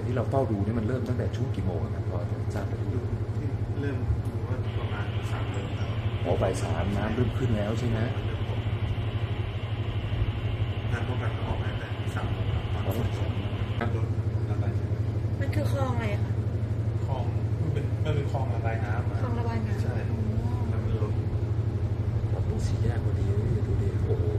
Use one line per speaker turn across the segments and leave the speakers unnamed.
ที่เราเฝ้าดูนี่มันเริ่มตั้งแต่ช่วงกี่โมงครับพอทราบไหม
เริ่มดูว่าประมาณ3 โมงแล้ว
บ่าย 3น้ำเริ่มขึ้นแล้วใช่ไหม
น้ำพวกนั้นออกมาแต่3 โมงแล้วตอนฝนตกรถระบาย
มันคือคลองอะไรคะ
คลองมันเป็นคลองระบายน้ำ
คลองระบายน้ำ
ใช่แล้วมันล้น
ตรงสี่แยกพอดีดูดิโอ้โห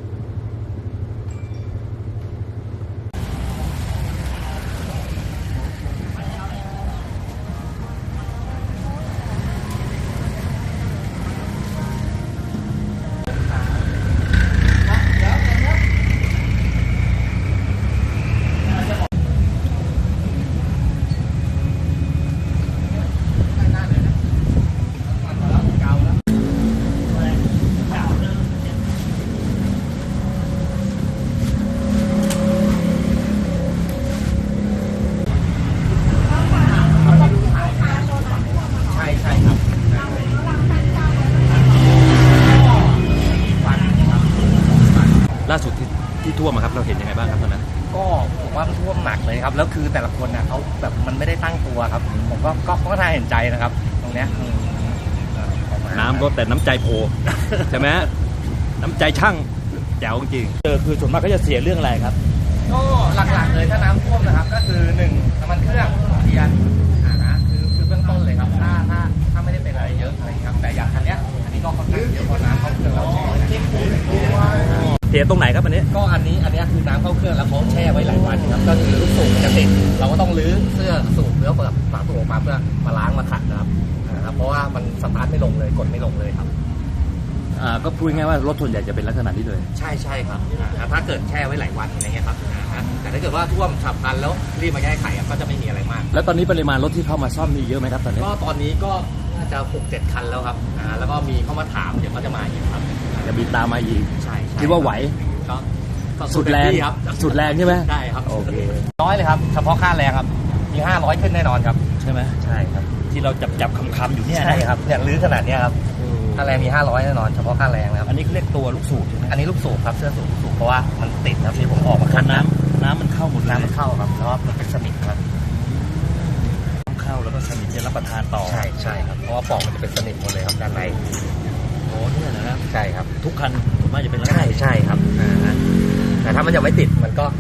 ล่าสุดที่ท่วมครับเราเห็นยังไงบ้างครับตอนนั้น
ก็ผมว่าท่วมหนักเลยครับแล้วคือแต่ละคนนะเขาแบบมันไม่ได้ตั้งตัวครับผมก็น่าเห็นใจนะครับตรงเนี้ย
น้ำก็แต่น้ำใจโพใช่ไหมน้ำใจช่างแจ๋วจริงคือส่วนมากก็จะเสียเรื่องอะไรครับ
ก็หลักๆเลยถ้าน้ำท่วมนะครับก็คือ1น้ำมันเครื่องเทียนคือเบื้องต้นเลยครับถ้าไม่ได้เป็นอะไรเยอะอะไรครับแต่อย่างอันนี้ก็ค่อนข้างเยอะเพราะน้ำเข้าเครื่องเรา
เสียตรงไหนครับอันนี้
ก็อันนี้คือน้ำเข้าเครื่องแล้วเขาแช่ไว้หลายวันครับก็คือลูกสูบมันจะติดเราก็ต้องรื้อเสื้อสูบแล้วแบบฝาสูบออกมาเพื่อมาล้างมาขัดนะครับเพราะว่ามันสตาร์ทไม่ลงเลยกดไม่ลงเลยครับ
ก็พูดง่ายว่ารถส่วนใหญ่จะเป็นลักษณะนี้เลย
ใช่ครับถ้าเกิดแช่ไว้หลายวันอะไรเงี้ยครับแต่ถ้าเกิดว่าท่วมฉับพลันแล้วรีบมาแก้ไขก็จะไม่มีอะไรมาก
แล้วตอนนี้ปริมาณรถที่เข้ามาซ่อมมีเยอะไหมครับตอนนี้
ก็ตอนนี้ก็น่าจะ 6-7 คันแล้วครับแล้วก็มีเข้ามาถามเดี๋ยวก็จะมาอีกครับ
จะมีตามมาอีก
ใช่
คิดว่าไหว
ก็
สุดแรง
ครับ
สุดแรงใช่ไหม
ใช่ครับโอเคน้อยเลยครับเฉพาะค่าแรงครับมี500ขึ้นแน่นอนครับ
ใช่ไหม
ใช่ครับ
ที่เราจับคำอยู่เนี่ย
ใช่ครับอย่างลื้อขนาดนี้ครับค่าแรงมี500แน่นอนเฉพาะค่าแรงนะครับ
อันนี้เรียกตัวลูกสูบใช่ไหม
อันนี้ลูกสูบครับเสื้อสูบลูกสูบเพราะว่ามันติดครับที่ผมออกมาคัน
น้ำมันเข้าหมด
น้ำมันเข้าครับแล้วมันเป็นสนิมครับ
เข้าแล้วก็สนิมจะรับประทานต่อ
ใช่ครับเพราะว่าปล่องมันจะเป็นสนิมหมดเลยครับด้านใน
โอ้เนี่ยนะ
ใช่ครับ
ทุกคันส่วนมากจะเป็น
ใช่ครับแต่ถ้ามันยังไม่ติดมันก็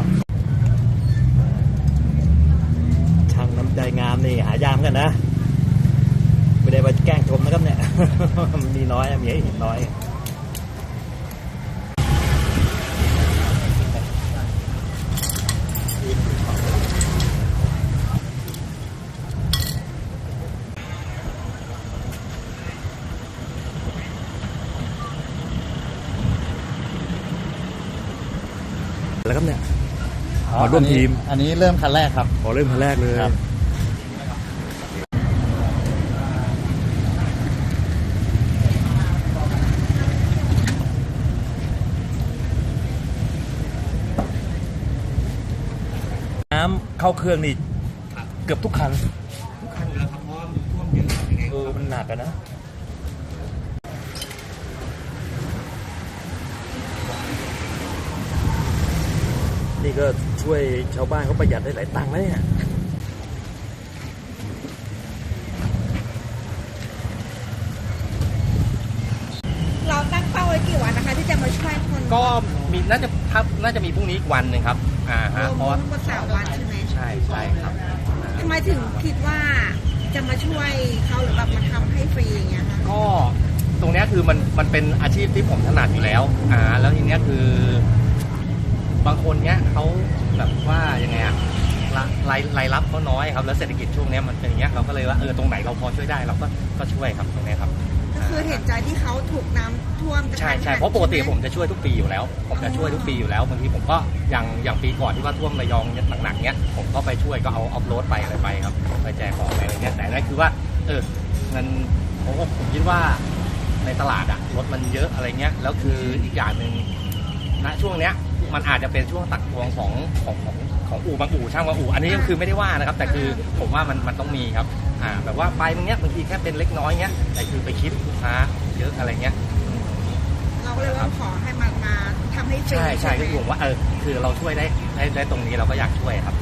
ช่างน้ำใจงามนี่หายากกันนะไม่ได้มาแกล้งชมนะครับเนี่ยมีน้อยมีให้เห็นน้อยแล้วครับเนี่ยมาร่วมทีม
อันนี้เริ่มคันแรกครับ
เริ่มคันแรกเลยน้ำเข้าเครื่องนี่เกือบทุกคัน
แล้วครับเพราะว่ามันท่วมเยอะ
มันหนักกันนะนี่ก็ช่วยชาวบ้านเขาประหยัดได้หลายตังค์เลยเนี่ย
เราตั้งเป้าไว้กี่วันนะคะที่จะมาช่วยคน
ก็มีน่าจะมีพรุ่งนี้อีกวันหนึ่งครับ
เพราะว่า3 วันใช่ไหม
ใช่ครับ
ทำไมถึงคิดว่าจะมาช่วยเขาหรือแบบมาทำให้ฟรีอย่างเงี้ยคะ
ก็ตรงนี้คือมันเป็นอาชีพที่ผมถนัดอยู่แล้วแล้วทีเนี้ยคือบางคนเนี้ยเขาแบบว่ายังไงรายรับเขาน้อยครับแล้วเศรษฐกิจช่วงนี้มันเป็นอย่างเงี้ยเราก็เลยว่าตรงไหนเราพอช่วยได้เราก็ช่วยครับตรงนี้ครับ
ก็คือเห็นใจที่เขาถูกน้ำท่วม
ใช่เพราะปกติผมจะช่วยทุกปีอยู่แล้วบางทีผมก็อย่างปีก่อนที่ว่าท่วมระยองหนักๆเนี้ยผมก็ไปช่วยก็เอาออฟโรดไปอะไรไปครับไปแจกของอะไรเงี้ยแต่นั่นคือว่ามันผมคิดว่าในตลาดรถมันเยอะอะไรเงี้ยแล้วคืออีกอย่างนึงณช่วงเนี้ยมันอาจจะเป็นช่วงตักทวงของอู่บางอู่ช่างบางอู่อันนี้คือไม่ได้ว่านะครับแต่คือผมว่ามันต้องมีครับแบบว่าไปบางทีแค่เป็นเล็กน้อยเงี้ยแต่คือไปคิดลูกค้าเยอะอะไรเงี้ย
เราก็เลยว่าขอให้มาทำให้ฟรี
ใช่คือผมว่าคือเราช่วยได้ตรงนี้เราก็อยากช่วยครับ